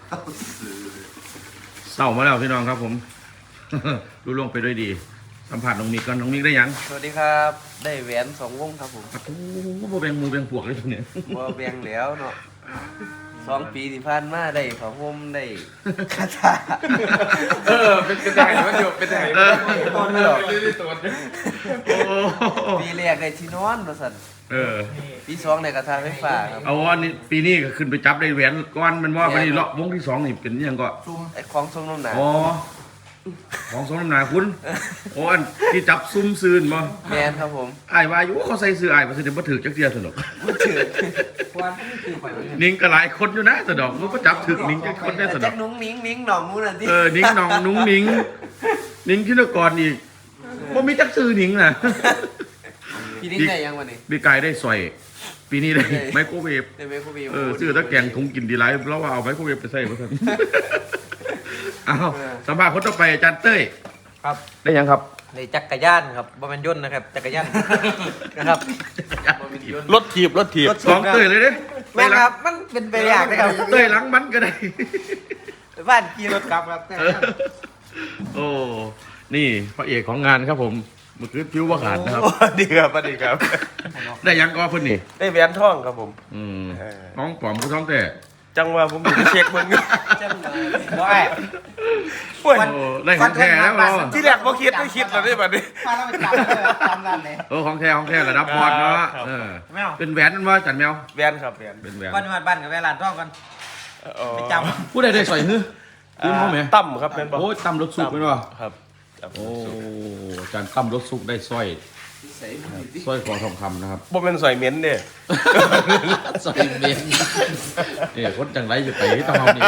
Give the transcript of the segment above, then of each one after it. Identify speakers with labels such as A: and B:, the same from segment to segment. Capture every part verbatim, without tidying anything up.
A: เศร้ามาแล้วพี่น้องครับผม รู้ล่วงไปด้วยดีสัมผัสน้องมิกกันน้องมิกได้ยัง
B: สวัสดีครับได้แหวนสองวงครับผม
A: โอ้โหโบแบงมูแบงพวกเลยตัวเนี้ย
B: บ่แบ่งแล้วเนาะสองปีที่ผ่านมาได้ผ้าห่มได้คาถา
C: เออเป็นเป็นไงมันอยู่เป็นไงมันอยู่ตอนนี้หรอไม่ได้ตัว
A: โอ้
B: ปีแรกได้ที่นอนว่าซั่น
A: เออ
B: ปีสองได้กระทาไฟฟ้าครับ
A: เอาวันนี้ปีนี้ก็ขึ้นไปจับได้แหวนก้อนมันว่าวันนี้เลาะวงที่สองนี่เป็นยังก็
B: ซุ่มไอ้ของซุ่มน้ำหนา
A: อ๋อของสมน้ำหนาคุณโอ้อันที่จับซุ่มซืนบ่
B: แมนครับผม
A: ไอ้ายวาอยุเขาใส่ซื้อไอ้ายมาซื้อเดี๋ยวมาถือจักเดียวสนุก
B: บ่ถือ
A: นิ่งก็หลายคนอยู่นะสนุกมันก็จับถึกนิ่งจักคนได้สนุ
B: จั
A: ก
B: กนุ้งนิ้งนิ้งหน่องมู้นั่นที่
A: เออนิ่งน้องนุ้งนิ่งนิ่งที่นกรอีกว่ามีจักซื้อนิ่งน่ะ
B: พี่นิ้งได้ยังวันนี้
A: ปีกายได้สอยปีนี้ได้ไมโครเวฟ
B: ได้ไมโครเวฟ
A: เออซื้อตะแกงถุงกินดีไรแล้วว่าเอาไมโครเวฟไปใส่มาทันอ้าวสัมภาษณ์คนต่อไปอาจารย์เต้ย
D: ครับ
A: ได้ยังครับ
D: ในจักรยานครับบ่แม่นยนต์นะครับจักรยาน นะครับ
C: รถถีบรถถีบ
A: สองเต้ยเลยเด้
D: แม่นครับมันเป็นไปอย่างนะครับ
A: เต้ยหลังมันก็ได้
D: บ้านขี่รถกลับครับ
A: เออโอ้ นี่พระเอกของงานครับผมเมื่อคืนผิวว่าขาดนะครับ
C: ดีครับดีครับ
A: ได้ยังก็เพิ่นนี่
C: ได้แหวนทองครับผม
A: อืม
C: เออ
A: น้องปลอมผู้ท้องแต่
C: จังว่าผมอยู่ที่เช็คมึง
B: จังเลย
D: บ่ไอ้
C: โอ้ย
A: โอ้ได้ของแท้แล้วเหรอ
C: ที่แรกบ่คิดไม่คิดแล้วได้บัดนี้
D: พาเราไปจับเลยตามนั้นเลย
A: เออของแท้ของแท้ระดับบอลเนาะ
C: ครับ
A: เออ
D: ไม่เอา
A: เป็นแหวนนั่นว่าจันแมว
C: แหวนครับแหวน
A: เป็นแหวน
D: บ้านมาบ้านกับเวลาท่องกัน
C: อ๋อ
D: ไปจ
A: ผู้ใดได้สอยฮื้อคุณเขาไหม
C: ตั้มครับแม่นบ่
A: โอ้ยตั้มรถสุกเป็นวะ
C: ครับตั้ม
A: โอ้อาจารย์ตั้มรถสุกได้สร้อย
B: ใส่มือดิ
A: สร้อยคอทองคำนะครับ
C: บ่แม่นสอยเหม็นเด้
A: สร้อยเบนเนี่ยคนจังไรจะไปที่ต้องเอาเนี่ย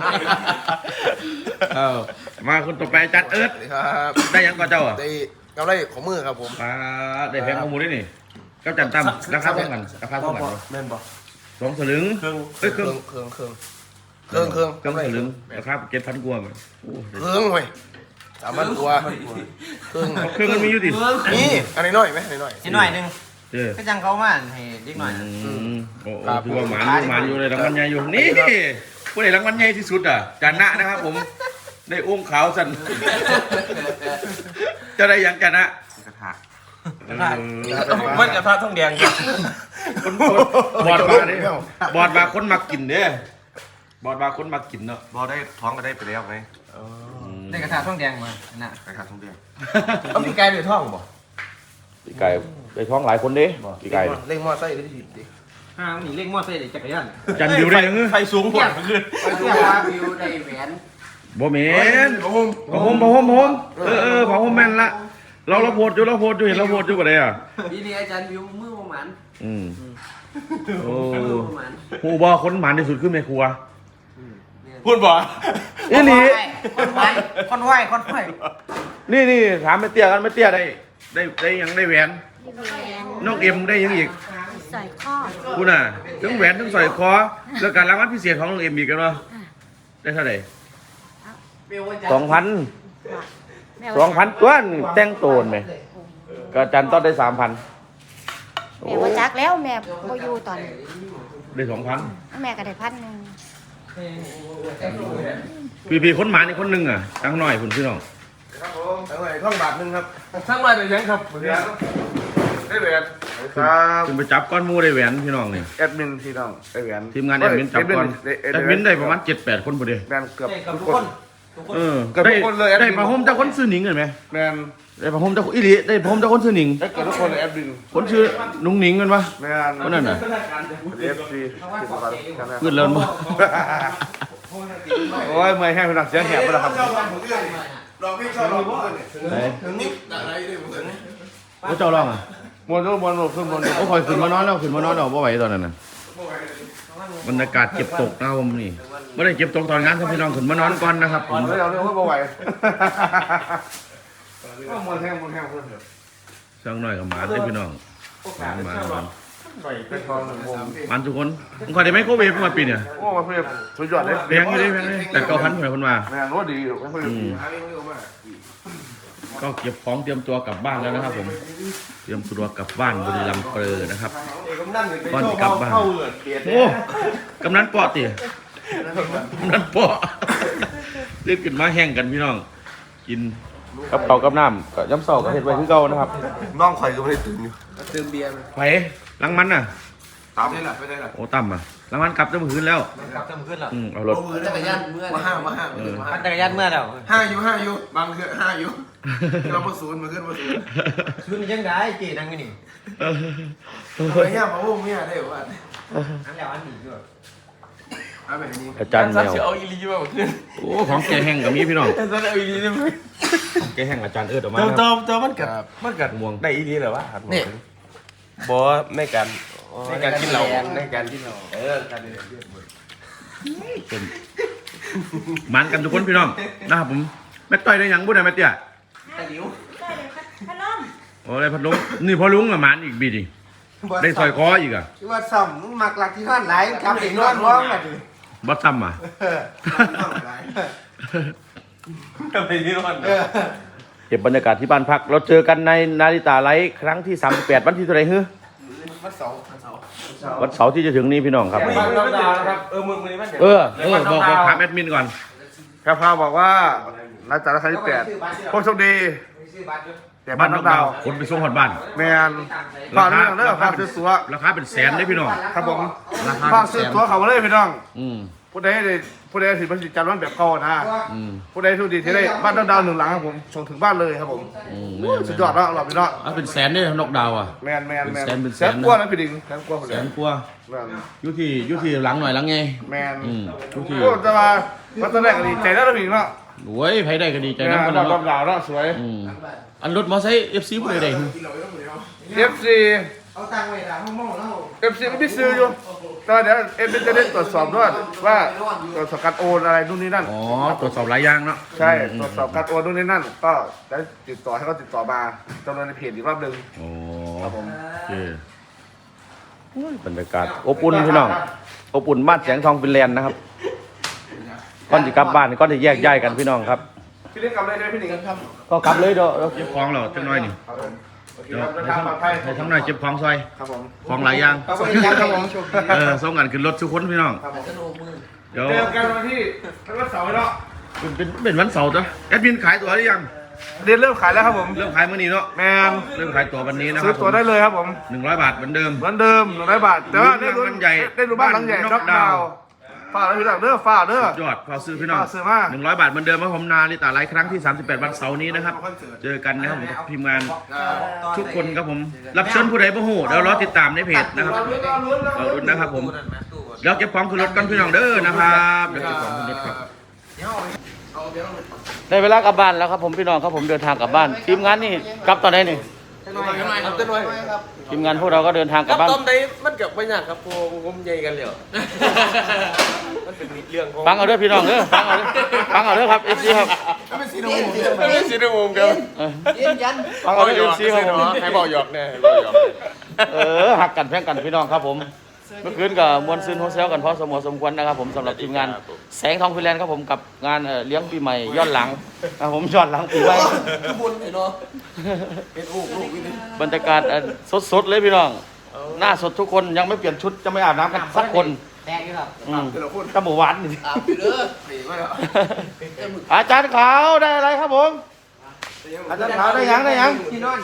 A: เออมาคนต่อไปอาจารย์เอิร์ธ
E: ครับ
A: ได้ยังก็เจ้าอ่ะ
E: ได้กำไรของมือครับผม
A: ปลาได้แพงข้อมูลได้นี่ก็จันตั้มราคาเท่ากันราคาเท่ากัน
C: แม่นบ่
A: สองสลึง
C: เครื่อง
A: เอ้ยเค
E: เค
A: รื่
E: รื่
A: อ
E: อง งเครื่องเครื่องเครื่องเครื่อง
A: เครื่อง
E: กำไร
A: สลึงราคาเจ็ดพันกว่ามันโอ้
E: เครื่องเว้ยสามพันกว่าเครื่อง
A: เครื่องมันมีอยู่ดิ
E: นี่อันนี้น้อยไหมอันนี้น้อย
D: ำนิดหน่อยหนึง
A: เออ
D: ก็จังเขามาให้เด็กหน่อย
A: อืมโอ้โหคือว่าหมานอยู่หมานอยู่เลยรางวัลใหญ่อยู่นี่ผู้ใดรางวัลใหญ่ที่สุดอ่ะจานะนะครับผมได้อุ้งขาวสันจะได้ยังจานะ
B: กระทะ
A: เออ
C: มันกระทะทองแดงครับ
A: คนคนบอดมาเนี่ยบอดมาคนมากินเนี่ยบอดมาคนมากินเนาะ
B: บ่ได้ท้องก็ได้ไปแล้วไง
D: ได้กระทะท่องแดงมาน่ะ
B: กระทะทุกเดือน
C: เอาพี่ไก่ด้วยท่องบ่
A: ปีไก่ไปท้องหลายคนเด้ปีไก่
E: เล่งมอไซค์ได้ที่ดิ
D: ห้างนี่เล็กมอเตอร์ไซค์จักรยาน
A: จันดิวได้ยัง
C: ไฟสูงกว่าขึ้น
B: ไปดูว่าวิวได้แหวน
A: บ่เหม็นบ่โฮมบ่โฮมบ่โฮมเออเออบ่โฮมแม่นละเราเราโพดอยู่เราโพดอยู่เห็นเราโพดอยู่บ่ได้อ่ะ
B: ปีนี้อาจารย์วิวมือประมาณ
A: อืมโอ้
B: มือประมาณ
A: ฮู้บ่คนหมานที่สุดคือแม่ครัว
C: พูดบ่
A: อีหลี
D: คนไหวคนไหวคนไหว
A: นี่นี่ถามแม่เตี้ยกันแม่เตี้ยได้ได้ได้ยังได้แหวนน้องเอ็มได้ยังอีก
F: ใส่ข้อ
A: คุณน่ะทั้งแหวนทั้งสร้อยคอแล้วการรางวัลพิเศษของน้องเอ็มอีกกันเนาะได้เท่าไหร่สองพัน
F: แม่
A: สองพันตัวนี่แต่งโตนไหมก็จันต้องได้สามพัน
F: แม่ว่าจักแล้วแม่บ่อยู่ตอน
A: ได้สองพัน
F: แม่ก็ได้พันหนึ่ง
A: พี่พี่คนหมานี่คนหนึงอ่ะตั้งหน่อยคุณพี่น้อง
E: ครับผมทั้งหลายท่องบาทหนึงครับ
C: ทั้งวันเลยยังครับได้แหวน
E: ครับ
A: ขึ้นไปจับก้อนหมูได้แหวนพี่น้องนี่
E: แอดมินที่น้องได้แหวน
A: ทีมงานแอดมินจับก้อนแอดมินได้ประมาณเจ็ดแปดคนพอดี
E: แบนเกือบ
D: กับ
E: ทุ
D: ทุ
E: ก
D: ก
E: ค
D: คน นทุกคน
A: เออ
E: เกือบทุ
A: ได้
E: กคนเลยแอดมิน
A: ได้ประหมเจ้าคนซื้อหนิงเห็นไหม
E: แบน
A: ได้ประหมเจ้าอีหลีได้ประหมเจ้าคนซื้อหนิง
E: ได้เกือบทุกคนเลยแอดมิน
A: คนชื่อนุ้งหนิงกันปะ
E: แบน
A: คนนั้นน่ะ
E: เอฟซีที่สำคัญกันนะ
A: ขึ้นแล้วมั้ง
E: โอ้ยเมื่อยแห้งเป็นหนักเสียงแหบไปแล้วครับ
A: ไหนโอ้เจ้าร้องอ่ะ
E: มวนมวนมวนขึ้นมวน
A: โอ้คอยขึ้นมานอนแล้วขึ้นมานอนแล้วบ่ไหวตอนนั้นน่ะบรรยากาศเก็บตกนะครับผมนี่ไม่ได้เก็บตกตอนงานครับพี่น้องขึ้นมานอนก่อนนะครับผม
E: เดี๋ยวเดี๋ยวเขาบ่ไหวมวนแห้งมวนแห้งเพื่อนเถอะ
A: ช่างหน่อยกับหมาได้พี่น้องหมาหมาหมา
E: เป็นทองหนึ่งวง
A: หมาทุกคนผมขอได้ไหมโคเวฟมาปีเนี่ย
E: โอ้มาเพื่อนสุดยอดเลย
A: แพงอยู่ดิแพงเลยแต่เก้าพันเหมือนคนมา
E: แม่งว่าดีไม่ค่อยดี
A: ก็เก็บของเตรียมตัวกลับบ้านแล้วนะครับผมเตรียมตัวกลับบ้านบุรีรัมย์เปรอนะครับก่อนจะกลับบ้านโอ้กำนันปอดตินั่นปอเล่นขึ้นมาแห้งกันพี่น้องกินกับเก่ากับน้ำก็ย้ำเสาก็เห็ดไว้คือเก่านะครับ
E: น้องข่อยก็ไม่ได้ตื่นอยู่
C: เติมเบียร์
A: ไผล้างมันน่ะ
E: ตามนี่แหละไม่ได้หรอ
A: โอ้ต่ำอ่ะล้างมันกลับจะมือขึ้นแล้ว
D: กลับเติมขึ้นแล้ว
A: อืมเอารถ
E: มือจักรยานมาห้ามาห้า
D: ปั่นจักรยานเมื่อแล้ว
E: ห้าอยู่ห้าอยู่บางคือห้าอยู่เรามาศูนย์มาขึ้นมาศูนย์
D: ชุดนี้ยังได้เก๋ดังนี่นี่
E: เฮ้ยย่ามาโอ้เมียได้หว่า
D: อันแล้วอันนี้ด้วย
E: เอาแบบนี้
A: อาจารย์แมว
C: เอาอีลีมาขึ้น
A: โอ้ของแกแห้งกับมีพี่น้อง
C: อาจารย์เอาอีลีได้ไหม
A: ของแกแห้งอาจารย์เอิร์ดออกมา
C: เติม
A: ค
C: เติ
A: รับ
C: มเติมมันกัดมันกัด
A: ม่วง
C: ได้อีลีเหรอวะ
E: นี่บอในการในการกินเหล้าในการกินเหล้าเออการเรียน
A: เป็นมันกันทุกคนพี่น้องนะครับผมแม่ต้อยได้หยังบุญได้แม่เตี้ย
F: ได้เลยพัดลม
A: โอ้ได้พัดลมนี่พอลุงละหมันอีกบีดิได้ซอยคออีกอ่ะ
E: ที่ว่าซ่อมมึงมักหลักที่ท่านหลายครับอีกนอนร้องอ่ะดิ
A: บัดซ้ำอ่ะ
C: ทำไมนี่มัน
E: เออ
A: เก็บบรรยากาศที่บ้านพักเราเจอกันในนาฬิตาไลฟ์ครั้งที่สามสิบแปดวันที่เท่าไหร่ฮึ
E: วันเสาร์วันเสาร์
A: วันเสาร์ที่จะถึงนี้พี่น้องครับ
C: บ้านเราดาวนะครับเออมึงมึงนี่มัน
A: เออเออบอกบอกถามแอดมินก่อน
E: แพรพาบอกว่านัดจัดครั้งที่แปดพวกโชคดีแต่บ้านน้องดาว
A: คนไปส่งหอดบ้าน
E: แมนฝากเรื่องเรื่องฝากซื้อตัว
A: ราคาเป็นแสนได้พี่น้อง
E: ครับผม
A: ราคา
E: ฝาก
A: เป็นแส
E: ซื้อน ตัวเขามาเลยพี่น้อง
A: อืม
E: ผู้ใดได้ผู้ใดถือบัตรจัดวันแบบเก่านะ
A: อืม
E: ผู้ใดทุกดีที่ได้บ้านน้องดาวหนึ่งหลังครับผมส่งถึงบ้านเลยครับผม
A: อืม
E: สุดยอดแล้วเราพี่น้อง
A: อ่ะเป็นแสนได้นกดาวอ่ะ
E: แมนแมนแมน
A: เป็นแสนเป็นแส
E: แส
A: น
E: น
A: นะ
E: กว่านะพี่ดิงแสนกว่าคน
A: แส
E: เดียวน
A: กว่า
E: แมน
A: อยุที่อยุที่หลังหน่อยหลังไง
E: แมน
A: อืมอยุที่
E: โอ้จะมามาตอนแรกก็ดีใจแล้วนะพี่เนาะ
A: โอ้ยไผได้ก็ดีใจ
E: แม
A: นะ
E: น
A: คน
E: น้
A: นั้น
E: อง
A: เนาะ
E: ดาวเนาะสวย
A: อืมอันรถมอไซค์ เอฟ ซี ผู้ใดได้หึ
E: เอฟซี
D: เอาตังค์ไว้ละห้องมองแล้ว
E: เอฟซีก็ไม่ซื้ออยู่แต่เดี๋ยวเอฟซีจะได้ตรวจสอบด้วยว่าตรวจสอบการโอนอะไรนู่นนี่นั่น
A: อ๋อตรวจสอบหลายอย่างเนาะ
E: ใช่
A: ม
E: ตรวจสอบการโอนนู่นนี่นั่น ก็ได้ติดต่อให้เขาติดต่อมาจำนวนในเพจอีกรอบหนึ่ง
A: โอ้
E: ครับผม
A: โอเคโอ้ยบรรยากาศอบอุ่นพี่น้องอบอุ่นบ้านแสงทองฟินแลนด์นะครับก่อนจะกลับบ้านก่อนจะแยกย้ายกันพี่น้องครับ
E: พี่เล่นกับอะไรใช่ไหมพี่หนิงครับ
A: ก็กลับเลยเด้อเก็บของเราจังน้อยนี่
E: ครับผมโอเค
A: เดี๋ยว
E: ครับเดิน
A: ให้
E: ทาง
A: ทั้ง
E: ปลอดภัย
A: ให้ทั้งน้อยเก็บของซอย
E: ครับผม
A: ของหลายอย่าง
E: ครับผมครับผม
A: เออส่งกันขึ้นรถทุกคนพี่น้อง
E: ครับผม
A: เดี๋ยว
E: เจอกันวันที่วันเสาร์เนาะ
A: เป็นเป็นเป็นวันเสาร์จ้ะแอดมินขายตั๋วหรือยัง
E: เรียนเริ่มขายแล้วครับผม
A: เริ่มขายมื้อนี้เนาะ
E: แมน
A: เริ่มขายตั๋ววันนี้นะค
E: ซื้
A: รั
E: อบ ตัวได้เลยครับผม
A: หนึ่งร้อยบาทเหมือนเดิม
E: เหมือนเดิมหนึ่งร้อยบาทแต่ว่าได้รู้
A: บ้านใหญ่
E: ได้รู้บ้านหลังใหญ่
A: บ้าน
E: น็อกดาวน์ฝากแล้วพี่หลังเด้อฝากเด้อ
A: ยอดพอซื้อพี่น้อง
E: พอซื้อมา
A: หนึ่งร้อยบาทเหมือนเดิมครับผมนาลิตาไลฟ์ครั้งที่สามสิบแปดวันเสาร์นี้นะครับเจอกันนะครับผมกับทีมงานทุกคนครับผมรับเชิญผู้ใดบ่ฮู้เดี๋ยวรอติดตามในเพจนะครับเราลุ้นนะครับผมเดี๋ยวเก็บของขึ้นรถกันพี่น้องเด้อนะครับเดี๋ยวเก็บของขึ้นรถครับได้เวลากลับบ้านแล้วครับผมพี่น้องครับผมเดินทางกลับบ้านทีมงานนี่กลับตอนไหนนี่
C: ครับต้นไม้
A: ทีมงานพวกเราก็เดินทางกลับบ้าน
C: ต้มได้มันกับไม่ยากครับพวกผมใหญ่กันเลยมันเป็นเรื่องของ
A: ฟังเอาเด้อพี่น้องเด้อฟังเอาเด้อฟังเอาเด้อครับเอฟซีครับ
C: ไม่ซีโนมไม่ซีโนมครับ
A: เออ
F: ยืนยัน
A: ฟังเอาเด้อเอฟซีครับผม
C: ให้บอกหยอกแน่ให้บอกหยอก
A: เออหักกันแพ่งกันพี่น้องครับผมเมื่อคืนกับมวลซืนโฮเซลกันพอสมควรสมควรนะครับผมสำหรับทีมงานแสงทองฟินแลนด์ครับผมกับงานเอ่อเลี้ยงปีใหม่ย้อนหลังครับผมย้อนหลังปีใหม่
C: บุญเนาะเป็นลูกลูกวิน
A: บรรยากาศสดๆเลยพี่น้องหน้าสดทุกคนยังไม่เปลี่ยนชุดจะไม่อาบน้ำกันสักคน
D: แดงอยู่ครับ
A: อืมตะหมูหวานนี่
C: อาบอยู่เด้อปีมาแล้ว
A: อาจารย์ขาวได้อะไรครับผมอาจารย์ขาวได้ยังได้ยัง
C: ที่นอน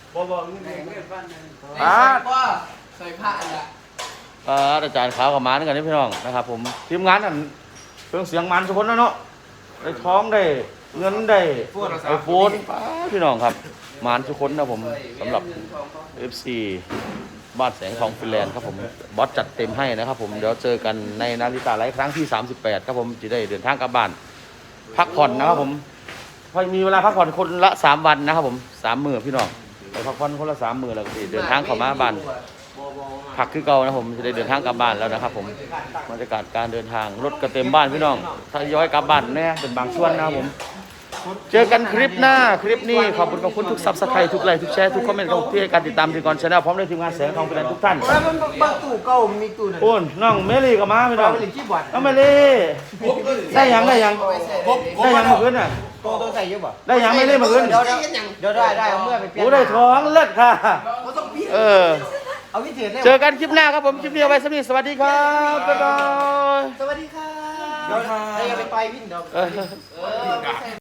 A: อ่า
C: ว่าใส่ผ้าอ่ะ
A: อ่าอาจารย์ขาวกับหมันกันนี่พี่น้องนะครับผมทีมงานนั่นเครื่องเสียงมันทุกคนนะเนาะได้ท้องได้เงินได้ไอโฟนพี่น้องครับหมันทุกคนนะผมสำหรับ เอฟ ซี บ้านแสงทองฟินแลนด์ครับผมบอสจัดเต็มให้นะครับผมเดี๋ยวเจอกันในนาฬิกาไลฟ์ครั้งที่สามสิบแปดครับผมจะได้เดินทางกลับบ้านพักผ่อนนะครับผมพอมีเวลาพักผ่อนคนละสามวันนะครับผมสามมื้อพี่น้องไปพักผ่อนคนละสามมื้อแล้วก็สิเดินทางเข้ามาบ้านพักคือเก่านะผมจะได้เดินทางกลับบ้านแล้วนะครับผมบรรยากาศการเดินทางรถก็เต็มบ้านพี่น้องถ้าย้อยกลับบ้านแน่เป็นบางส่วนนะครับผมเจอกันคลิปหน้าคลิปนี้ขอบคุณขอบคุณทุกซับสไครต์ทุกไลค์ทุกแชร์ทุกคอมเมนต์ของที่ให้การติดตามทีมกรชาแนลพร้อมด้วยทีมงานแสงทองฟินแลนด์ทุกท่าน
D: แล้วมันบางตู้เก่ามีตู้นึง
A: โอ้นน้องเมลี่ก็มาพี่น้อง
D: เป็นหนึ่งขี้บอด
A: น้องเมลี่ได้ยังได้ยังได้ยังเมื่อคืนน่ะ
D: โตโตใส่เยอะป่ะ
A: ได้ยังไม่ได้เมื่อคืน
D: เดี๋ยวเดี๋ยวได้ได้เอาเมื่อไปเปลี่ยน
A: โอ้ได้ท้องเลิศค่ะเออ
D: เอาวิเศษเลย
A: เจอกันคลิปหน้าครับผมคลิปนี้เอาไว้สำหรับสวัสดีครับบ๊ายบาย
D: สวัสดีครับ
A: เออ